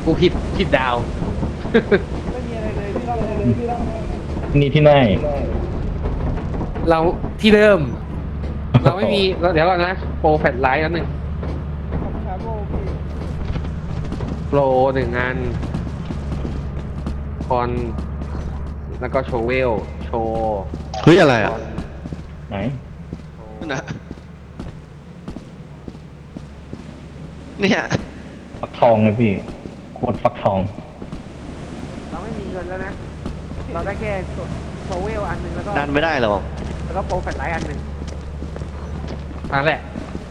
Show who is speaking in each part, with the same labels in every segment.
Speaker 1: กูผิดดาว
Speaker 2: ไม่มีอะไรเลยพี่ต้องอะไรเลยพี่ต้อง
Speaker 3: นี่ที่ไหน
Speaker 1: เราที่เดิม เราไม่มีเดี๋ยวก่อนนะโปรแฟลชไลท์แล้วหนึ่ง
Speaker 2: ของชาโบพี่
Speaker 1: โปรหนึ่งอันคอนแล้วก็โชว์เวลโชว์
Speaker 4: เฮ้ยอะไรอ่ะ
Speaker 3: ไหน
Speaker 4: นั่นนะเนี่ย
Speaker 3: ฟักทองเลยพี่โคตรฟักทอง
Speaker 1: เราไม่มีเงินแล้วนะ เราได้แค่โชว์เวลอันหนึ่งแล้วก็
Speaker 4: ดันไม่ได้หรอก
Speaker 1: แล้วก็โปรแฟลชไลท์อันหนึ่งนั่นแหละ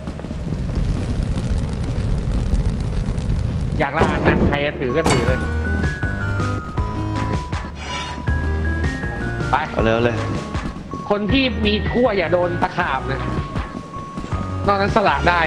Speaker 1: อยากละอันนั้นใครจะถือก็ถือเลย ไป
Speaker 4: เอาเร็วเลย
Speaker 1: คนที่มีทั่วอย่าโดนตะขาบนะ นอกนั้นสละได้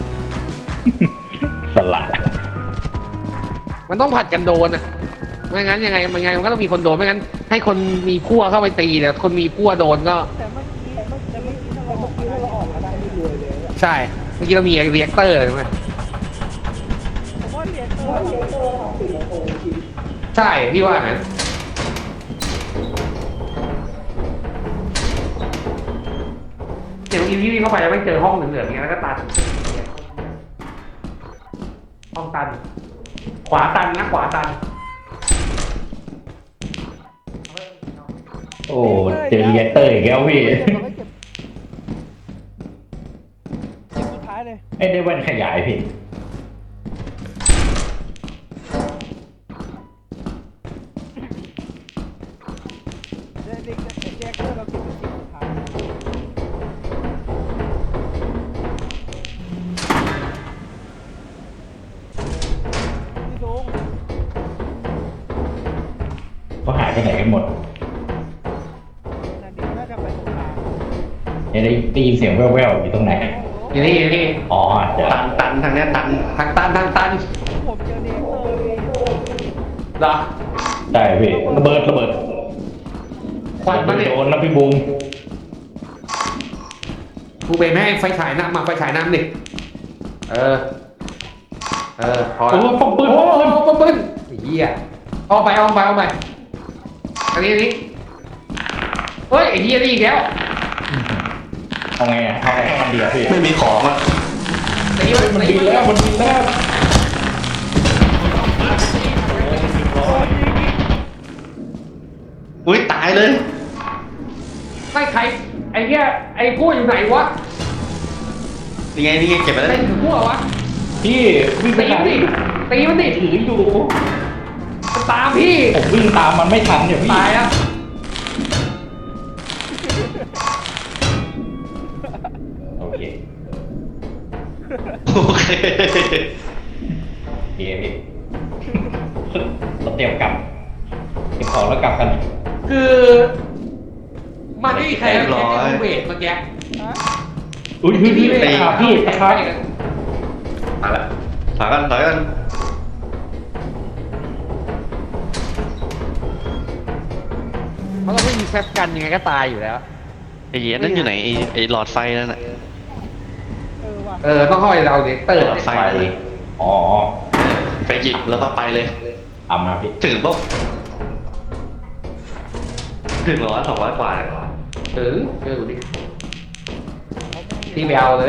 Speaker 3: สลัด
Speaker 1: มันต้องผัดกันโดนอะไม่งั้นยังไงมันก็ต้องมีคนโดนไม่งั้น ให้คนมีพั่วเข้าไปตีแต่คนมีพั่วโดนก็
Speaker 2: แต่เมื่อกี้ถ้าเราออกมาได้นี่รวยเลยอะ
Speaker 1: ใช่ เมื่อกี้เรามีเรียกเตอร์ใช่ไหม
Speaker 2: ผมว่าเรียนตัวของสิงคโปร์จริง
Speaker 1: ใช่ พี่ว่างั้นเดี๋ยวอีพี่วิ่งเข้าไปแล้วไม่เจอห้องเหลืองๆอย่างเงี้ยแล้วก็ตัน ห้องตัน ขวาตันนะขวาตัน
Speaker 3: โอ้เจอเรียกเตอร์อีกแล้วพี่
Speaker 2: เก็บเราไม่เก็บเก็บสุดท้ายเลย
Speaker 3: ไอ้ได้แว่นขยายพี่
Speaker 2: เด็กเด็กเด็กเราเก็บเป็นสิ่งสุดท้ายพี่ลุง
Speaker 3: เขาหายไปไหนกันหมด
Speaker 2: นั่นเด็กน่าจะไปสงคราม
Speaker 3: ได้ยินเสียงแว่วๆอยู่ตรงไหน
Speaker 1: อยู่นี่อยู่นี่
Speaker 3: อ๋อเดี๋ยว
Speaker 4: ตันทางเนี้ยตัน
Speaker 1: ทางตันทางตัน
Speaker 2: ผมเจอเรียกเตอร์พี่
Speaker 1: เหรอ
Speaker 3: ได้พี่ระเบิด
Speaker 1: ควันมาเนี่ย
Speaker 3: โดนนะพี่บูม
Speaker 1: กูเบนไม่ให้ไฟฉายน้ำมาไฟฉายน้ำดิเออพอ
Speaker 3: โอ้
Speaker 1: แล้ว
Speaker 3: ปมปืน
Speaker 1: โอ้
Speaker 3: ปมปืน
Speaker 1: ปมปืนไอ้เหี้ยเอาไปอันนี้เฮ้ยไอ้เหี้ยนี่อีกแล้ว
Speaker 3: เอาไงอ่ะเอาไงให้มันเดียวพี่
Speaker 4: ไม่มีของอ่ะ
Speaker 1: ตีมัน
Speaker 3: มัน
Speaker 1: ตี
Speaker 3: บินแล้วมันบินแล้ว
Speaker 4: อุ้ยตายเลย
Speaker 1: ไม่ใครไอ้เหี้ยไอ้พวกอยู่ไหนวะ
Speaker 4: นี่ไงเก็บไปแล้ว
Speaker 1: เล่นถึงพวกวะ
Speaker 3: พี่วิ่งไป
Speaker 1: ตี
Speaker 3: ไหน
Speaker 1: มันดิ
Speaker 3: ถืออยู่
Speaker 1: มันตามพี่
Speaker 3: ผมวิ่งตามมันไม่ทันเนี่ยพี่
Speaker 1: ตายแล้ว
Speaker 3: โอเค
Speaker 4: โอเค
Speaker 3: โอเคพี่เราเตรียมกลับเก็บของแล้วกลับกัน
Speaker 1: คือมันไม่มีใครเอาแค่เวทเมื่อกี้
Speaker 2: ฮะ
Speaker 3: อุ้ยพี่ตะขาบพี่ตะขาบ
Speaker 4: มาละถอยกัน
Speaker 1: เพราะเราไม่มีแคปกันยังไงก็ตายอยู่แล้ว
Speaker 4: ไอ้เหี้ยนั่นอยู่ไหนไอ้หลอดไฟนั่นน่ะ
Speaker 2: ว่ะ
Speaker 1: ต้องเข้าไปเราเด็กเตอร์
Speaker 4: หลอดไฟเลย
Speaker 3: อ๋อ
Speaker 4: ไปหยิบแล้วก็ไปเลย
Speaker 3: เอามาพี่
Speaker 4: ถึงปุ๊บถึง200กว่า
Speaker 1: ถึงเจอดิที่ไปเอาเลย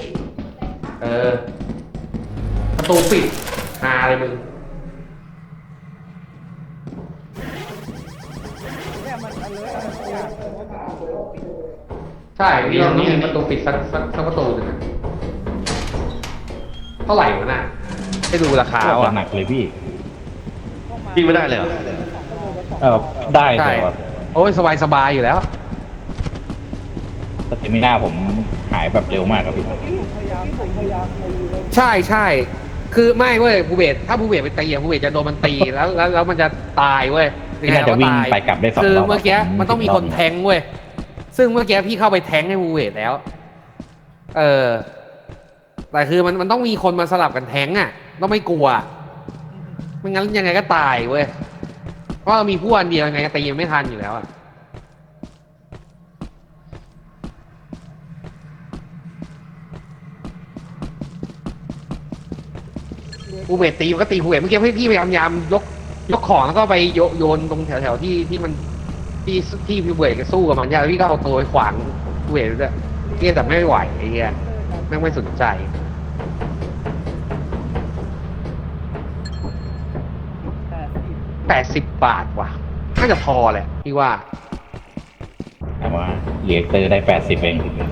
Speaker 1: ประตูปิดหาเลยมึง
Speaker 2: เนี่ยมันอเลิร์อะไรสักอย่าง
Speaker 1: ใช่พี่เราต้องมีประตูปิดสักประตูหนึ่งอะเท่าไหร่วะน่ะให้ดูราคา
Speaker 3: เอา
Speaker 1: อ่ะ
Speaker 3: หนักเลยพี่
Speaker 4: วิ่งไม่ได้เลยเหรอ
Speaker 3: ได้
Speaker 1: ใช่
Speaker 3: แต่ว่า
Speaker 1: โอ้ยสบายอยู่แล้ว
Speaker 3: สเตมิน่าผมหายแบบเร็วมากครับพี่
Speaker 2: พยายามเลย
Speaker 1: ใช่ คือไม่เว้ยภูเบศถ้าภูเบศไปตีอะภูเบศจะโดนมันตีแล้วมันจะตายเว้ย
Speaker 3: พี่น่าจะวิ่งไปกลับได้2
Speaker 1: คือ
Speaker 3: รอบ
Speaker 1: เมื่อกี้มันต้องมีคนแทงเว้ย ซึ่งเมื่อกี้พี่เข้าไปแทงให้ภูเบศแล้ว แต่คือมันต้องมีคนมาสลับกันแทงอ่ะ ต้องไม่กลัว ไม่งั้นยังไงก็ตายเว้ย เพราะเรามีผู้อันเดียวยังไงก็ตีมันไม่ทันอยู่แล้วอ่ะ
Speaker 2: เหลือ
Speaker 1: ภูเบศตีมันก็ตีภูเบศเมื่อกี้พี่พยายามยกของแล้วก็ไปโยนตรงแถวที่มันที่ภูเบศก็สู้กับมันยากแล้วพี่ก็เอาตัวไปขวางภูเบศด้วยพี่แต่ไม่ไหวไอ้เหี้ยแม่งไม่สนใจ 80 บาทว่ะน่าจะพอแหละพี่ว่า
Speaker 3: แต่ว่าเรียกเตอร์ได้80เอง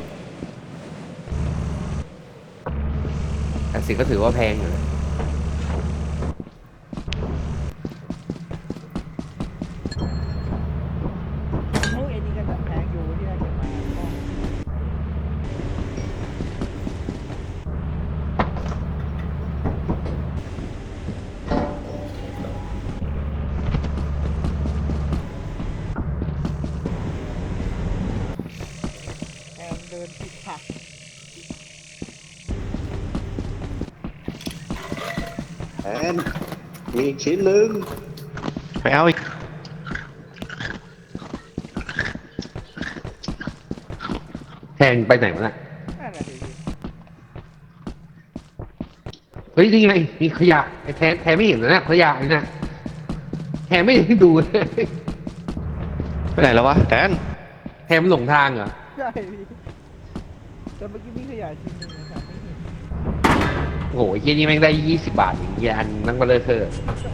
Speaker 1: 80ก็ถือว่าแพงอยู่นะ
Speaker 2: โอ้ยไอ้นี่ก็จะแพงอยู่ที่เราจะมาแอมเดินผิดผัก
Speaker 5: แอนมีอีกชิ้นหนึ่ง
Speaker 4: ไปเอาอีก
Speaker 1: แพงไปไหนวะน่ะ
Speaker 2: นั่นแหละดิ
Speaker 1: เฮ้ยนี่ไงมีขยะไอ้แทนไม่เห็นเลยนะขยะนี่นะแทนไม่ได้ดูเลย
Speaker 4: ไปไหนแล้ววะแดน
Speaker 1: แทนมันหลงทางเหรอ
Speaker 2: ใช่พี่แต่เมื่อกี้มีขยะชิ้นหนึ่งนะครับไม่เห็น
Speaker 1: โอ้โหไอ้เหี้ยนี่แม่งได้ 20 บาทอย่างเงี้ยอันนั่งมาเลยเธอะ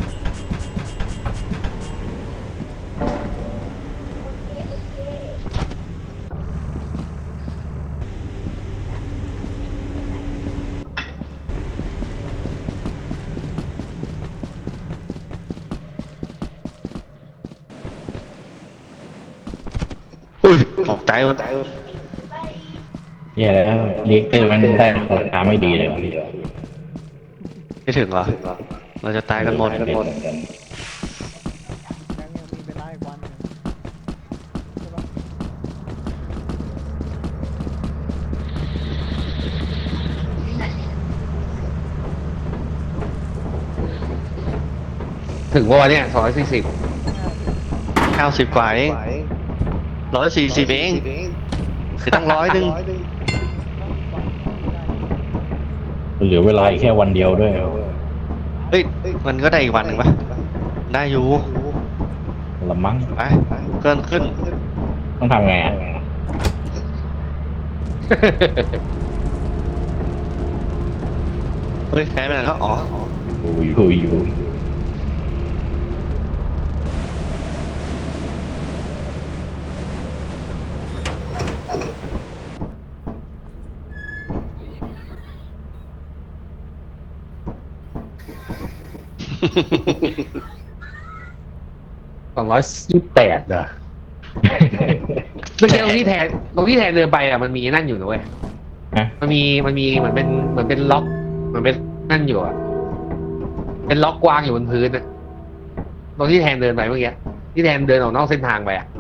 Speaker 4: อุ้ยตกใจหมด
Speaker 3: แย่แล้วเรียกเตอร์มันได้ราคาไม่ดีเลยว่ะ
Speaker 4: ไม่ถึงเหรอ เราจะตายกันหมด
Speaker 2: ยังมีเวลาอีกวันหนึ่งใช่ปะ
Speaker 1: ถึงว่าวันเนี้ย240
Speaker 4: 90 กว่าเอง140เองคือตั้ง100 นึง
Speaker 3: เหลือเวลาอีกแค่วันเดียวด้วย
Speaker 4: เฮ้ย มันก็ได้อีกวันหนึ่งปะได้อยู่
Speaker 3: ละมั้ง
Speaker 4: ไปเกินขึ้น
Speaker 3: ต้องทำไงอ่ะ
Speaker 4: เฮ้ยแพ้ไปไหนแล้วอ๋อ
Speaker 3: อยู่
Speaker 1: 228เหรอเมื่อกี้ตรงที่แทนเดินไปอ่ะมันมีนั่นอยู่นะเว้ย
Speaker 3: ฮะ
Speaker 1: มันมีเหมือนเป็นล็อกเหมือนเป็นนั่นอยู่อ่ะเป็นล็อกกวางอยู่บนพื้นอ่ะตรงที่แทนเดินไปเมื่อกี้ที่แทนเดินออกนอกเส้นทางไปอ่ะ